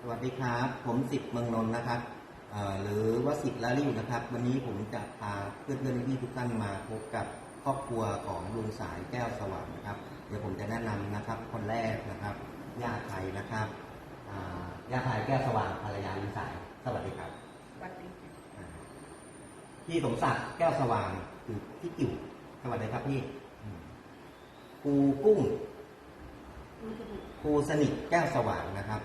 วัสดีครับผมสิทธิ์เมืองนนท์นะครับหรือว่าสิทธิ์ลาลิ่วนะครับวันนี้ผมจะพาเพื่อนๆพี่ทุกท่านมาพบกับครอบครัวของลุงสายแก้วสว่างนะครับเดี๋ยวผมจะแนะนำนะครับคนแรกนะครับย่าไทยนะครับย่าไทยแก้วสว่างภรรยาลุงสายสวัสดีครับสวัสดีพี่สมศักดิ์แก้วสว่างคือพี่กิ่วสวัสดีครับพี่ครูกุ้งครูสนิทแก้วสว่างนะครับ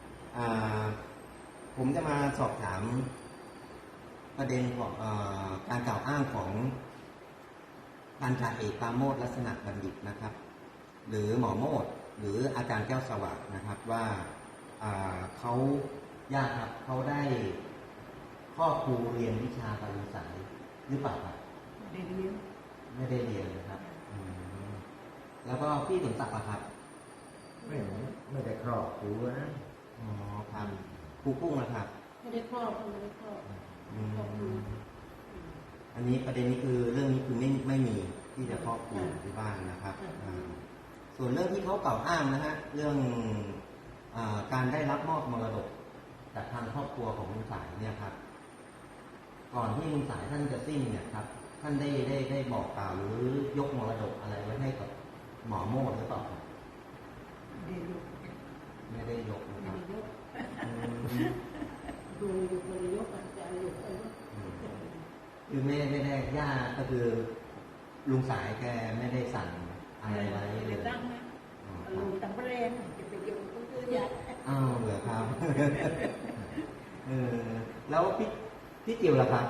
ผมจะมาสอบถามประเด็นของการกล่าวอ้างของพันจ่าเอกปราโมชลักษณะบัณฑิตนะครับหรือหมอโมดหรืออาจารย์แก้วสว่างนะครับว่าเขาญาติครับเขาได้ครอบครูเรียนวิชาการศึกษาหรือเปล่าครับได้เรียนไม่ได้เรียนนะครับแล้วก็พี่สมศักดิ์ครับไม่ได้ครอบครูนะอ๋อครับครูกุ้งนะครับไม่ได้ครอบอันนี้ประเด็นนี้คือเรื่องนี้คือไม่มีที่จะครอบครูที่บ้านนะครับส่วนเรื่องที่เขากล่าวอ้างนะฮะเรื่องการได้รับมอบมรดกจากทางครอบครัวของลุงสายเนี่ยครับก่อนที่ลุงสายท่านจะสิ้นเนี่ยครับท่านได้บอกกล่าวหรือยกมรดกอะไรไว้ให้กับหมอโมดหรือเปล่าไม่ได้ยกนะครับดูยกอาจารย์ยกอะไรคือไม่ได้ย่าก็คือลุงสายแกไม่ได้สั่งอะไรไว้เลยตั้งไหมลุงตั้งแรงจะไปยกก็คือยากเหรอครับแล้วพี่จิ๋วล่ะครับ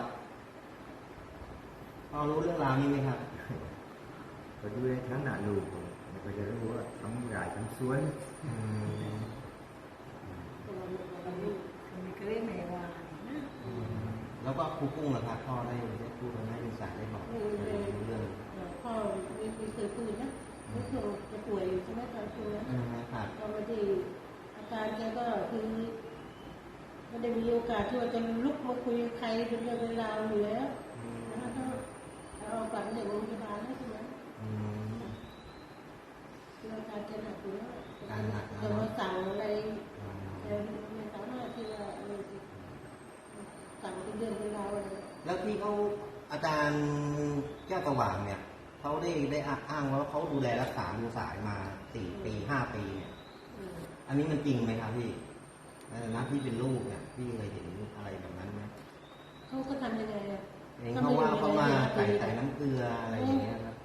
พอรู้เรื่องราวนี้ไหมครับก็ดูในทั้งหน้าลูกมันก็จะรู้ว่าทั้งใหญ่ทั้งสวนไม่เคยไม่ว่าแล้วก็ครูกุ้งล่ะครับพ่อได้พูดให้ลุงสายได้บอกเรื่องพ่อไม่เคยพูดนะไม่เคยจะป่วยอยู่ใช่ไหมตอนช่วงนั้นตอนที่อาการแกก็คือไม่ได้มีโอกาสที่ว่าจะลุกมาคุยใครเป็นเรื่องเป็นราวอยู่แล้วนะถ้าเอาฝันเด็กโรงพยาบาลใช่ไหมคืออาการแกหนักอยู่แล้วจะมาสั่งอะไรไม่สามารถที่จะสั่งเป็นเรื่องเป็นราวอะไรแล้วที่เขาอาจารย์แก้วสว่างเนี่ยเขาได้อ้างว่าเขาดูแลรักษาลุงสายมา4 ปี 5 ปีเนี่ยอันนี้มันจริงไหมครับพี่นักที่เป็นลูกเนี่ยพี่เคยเห็นอะไรแบบนั้นไหมเขาก็ทำยังไงอ่ะเขาว่าเขามาใส่น้ำเกลืออะไรอย่างเงี้ยครับ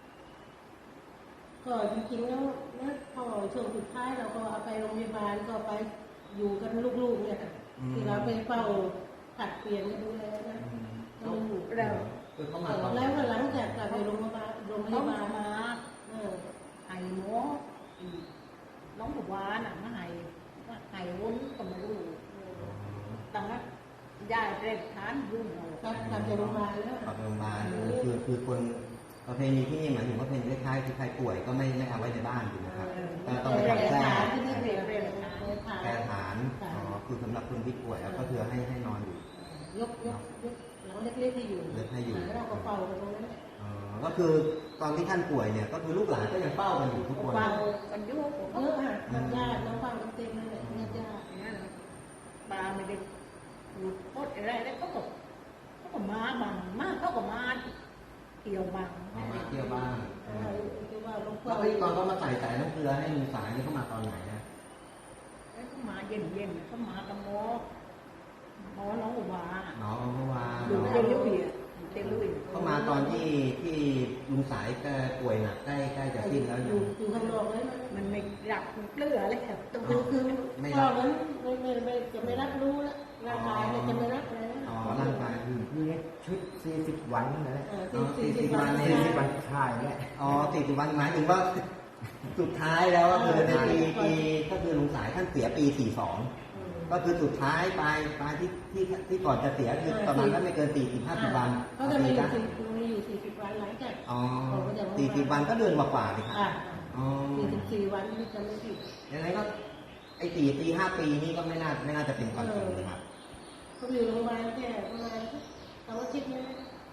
ก็จริงๆแล้วพอช่วงสุดท้ายเราก็เอาไปโรงพยาบาลก็ไปอยู่กันลูกๆเนี่ยที่เราไปเฝ้าผัดเปลี่ยนดูแลนะเราแล้วก็หลังจากกลับไปโรงพยาบาลมาไห้หมอน้องบอกว่าน่ะมาไห้วุ้นก็ไม่รู้ตั้งแต่ยายเร่งทานยุ่งกลับไปโรงพยาบาลแล้วกลับโรงพยาบาลคือคนประเพณีที่นี่หมายถึงว่าเป็นคล้ายๆคือใครป่วยก็ไม่เอาไว้ในบ้านถูกไหมครับต้องไปทำแท้แก้ฐานคือสำหรับคนที่ป่วยแล้วก็คือให้นอนอยู่ยกหลังเล็กๆให้อยู่แล้วเราก็เฝ้ากันตรงนั้นก็คือตอนที่ท่านป่วยเนี่ยก็คือลูกหลานก็ยังเฝ้ากันอยู่ทุกคนเฝ้ากันยุ่งเยอะค่ะญาติน้องเฝ้ากันเต็มเลยญาติปลาไม่ได้โคตรอะไรแล้วเขาก็มาบังมากเขาก็มาเกี่ยวบังมาเกี่ยวบ้างแล้วตอนเขามาใส่น้ำเกลือให้ลุงสายนี่เขามาตอนไหนนะเขามาเย็นเขามากับหมอน้องอุบาดูเต็มลุยเขามาตอนที่ลุงสายแกป่วยหนักใกล้จะสิ้นแล้วอยู่ข้างนอกเลยมันไม่รับเกลือเลยครับตรงนี้คือพ่อนั้นไม่จะไม่รับรู้แล้วร่างกายจะไม่รับแล้วร่างกายคือชุด40 วันนั่นแหละ 40 วัน 40 วันใช่แหละ 40 วันหมายถึงว่าสุดท้ายแล้วก็คือในปีก็คือลุงสายท่านเสียปี42ก็คือสุดท้ายปลายที่ก่อนจะเสียคือประมาณนั้นไม่เกิน40-50 วันเขาจะมีอยู่40 วันหลังจาก 40 วันก็เดือนกว่าดิครับ 44 วันที่จะไม่ผิดยังไงก็ไอ้4 ปี 5 ปีนี่ก็ไม่น่าจะเป็นความจริงนะครับเขาอยู่โรงพยาบาลแค่ประมาณ2 อาทิตย์นะ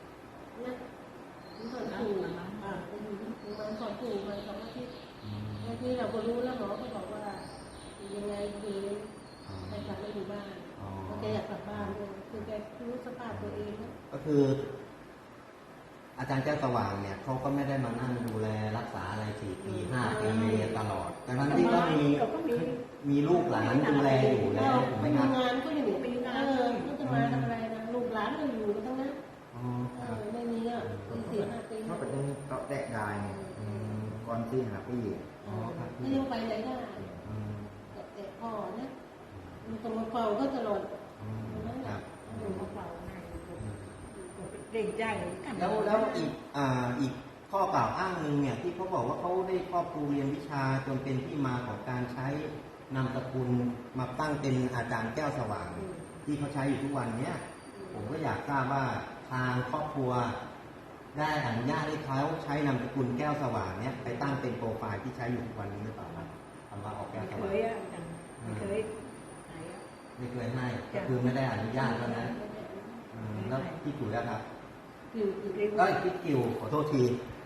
สอนปู่ไปอยู่โรงพยาบาลสอนปู่มา2 อาทิตย์ที่เราก็รู้แล้วหมอก็บอกว่ายังไงคือไปหาบ้านอ๋อแกอยากกลับบ้านด้วยคือแกรู้สภาพตัวเองนะก็คือ อาจารย์แก้วสว่างเนี่ยเขาก็ไม่ได้มานั่งดูแลรักษาอะไร4 ปี 5 ปีตลอด แต่ทั้งที่ก็มีลูกหลานดูแลอยู่แล้วถูกไหมไม่ครับทำงานก็อยู่ก็จะมาทำอะไรนะลูกหลานก็อยู่กันทั้งนั้นอ๋อครับไม่มีอ่ะปี4-5 ปีเพราะประเด็นเกาะแดกได้ก่อนที่หาปีอ๋อครับไม่ยังไปไหนได้อืมแต่พ่อนะมันต้องมาเฝ้าก็ตลอดอืมครับอยู่มาเฝ้าให้เร่งใจกันแล้วอีกข้อกล่าวอ้างหนึ่งเนี่ยที่เขาบอกว่าเขาได้ครอบครูเรียนวิชาจนเป็นที่มาของการใช้นามสกุลมาตั้งเป็นอาจารย์แก้วสว่าง ที่เขาใช้อยู่ทุกวันเนี้ยผมก็อยากทราบว่าทางครอบครัวได้อนุญาตให้เขาใช้นามสกุลแก้วสว่างเนี้ยไปตั้งเป็นโปรไฟล์ที่ใช้อยู่ทุกวันนี้หรือเปล่าครับคำว่าออกแก้วสเคว่างยอ่ะไม่เคยไหนอ่ะไม่เคยให้ก็คือไม่ได้อนุญาตแล้วนะแล้วพี่จุ๋ยอะครับอยู่ก็พี่กิวขอโทษที